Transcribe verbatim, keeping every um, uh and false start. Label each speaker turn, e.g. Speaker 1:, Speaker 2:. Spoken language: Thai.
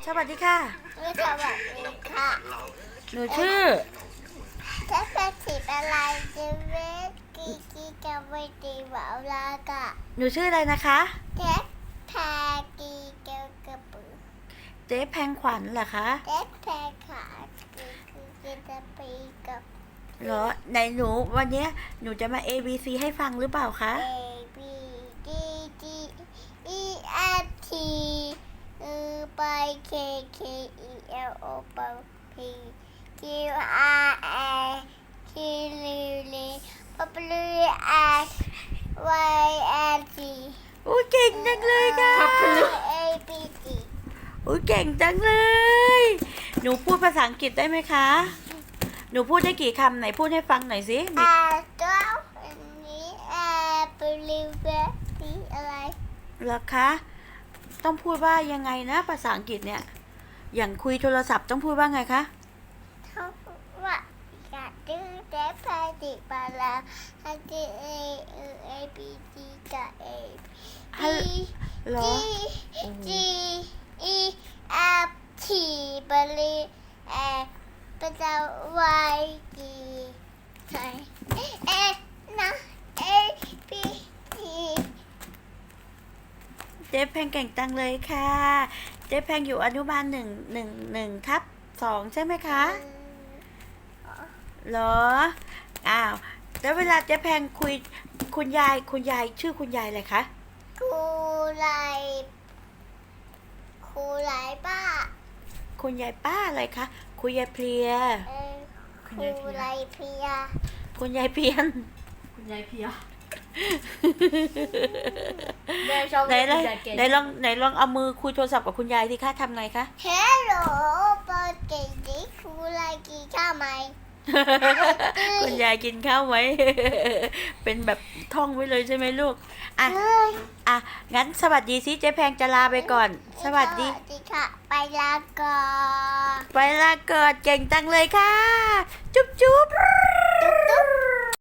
Speaker 1: สวัสดีค่ะ
Speaker 2: สวัสดีค่ะ
Speaker 1: หนูชื่อ
Speaker 2: แค่เป็นสีอะไรจะเวทกีกีกับเวทีวาวลากะ
Speaker 1: หนูชื่ออะไรนะคะ
Speaker 2: แค่แพกีเกี่ยวกับปืน
Speaker 1: เจ๊แพงขวัญเหรอคะ
Speaker 2: แค่แพขากีกีกีจะปีกับ
Speaker 1: เหรอไหนหนูวันเนี้ยหนูจะมา A B C ให้ฟังหรือเปล่าคะ
Speaker 2: A B D G E F T เออไป K K E L O P Q R S T U V W X Y and Z
Speaker 1: อุ้ยเก่งจังเลยค่ะ
Speaker 2: A B C
Speaker 1: อุ้ยเก่งจังเลย หนูพูดภาษาอังกฤษได้ไหมคะ หนูพูดได้กี่คำไหนพูดให้ฟังหน่อยสิ
Speaker 2: อ่าตัวอันนี้อ่าบริเวณที่อะไร
Speaker 1: เหรอคะ ต้องพูดว่ายังไงนะภาษาอังกฤษเนี่ย อย่างคุยโทรศัพท์ต้องพูดว่าไงคะ
Speaker 2: เขาว่าอยากดื้อแต่พาดิบาลาฮันดีเอเอเอบีจีกับเอ
Speaker 1: ฮัล
Speaker 2: บี
Speaker 1: เหรอ
Speaker 2: จีจีอีเอฟทีบริเอเป็นจะวายจีไทยเอนะเอบีจี
Speaker 1: เจ๊แพงเก่งจังเลยค่ะ เจ๊แพงอยู่อนุบาลหนึ่งหนึ่งหนึ่งทับสองใช่ไหมคะ เหรอ อ้าว แล้วเวลาเจ๊แพงคุยคุณยายคุณยายชื่อคุณยายอะไรคะ
Speaker 2: ครูไรครูไรป้า
Speaker 1: คุณยายป้าอะไรคะ คุณยายเพลีย
Speaker 2: เออครูไรเพีย
Speaker 1: คุณยายเพียน
Speaker 3: คุณยายเพียแม่ชอบ
Speaker 1: ไหน
Speaker 3: เล่น
Speaker 1: ไหน
Speaker 3: คุณยายเก่ง
Speaker 1: ไหนลองไหนลองเอามือคุยโทรศัพท์กับคุณยายสิคะทำไงคะ
Speaker 2: เฮลโหลเปิดเก่งดิครูไรกินข้าวไหม
Speaker 1: คุณยายกินข้าวไว้ เป็นแบบท่องไว้เลยใช่ไหมลูก อ่ะ
Speaker 2: เฮ้ย
Speaker 1: อ่ะ งั้นสวัสดีสิเจ๊แพงจะลาไปก่อน สวัสดี
Speaker 2: สวัสดีค่ะ ไปลาก่อน
Speaker 1: ไปลาเกิดเก่งจังเลยค่ะ จุ๊บจุ๊บ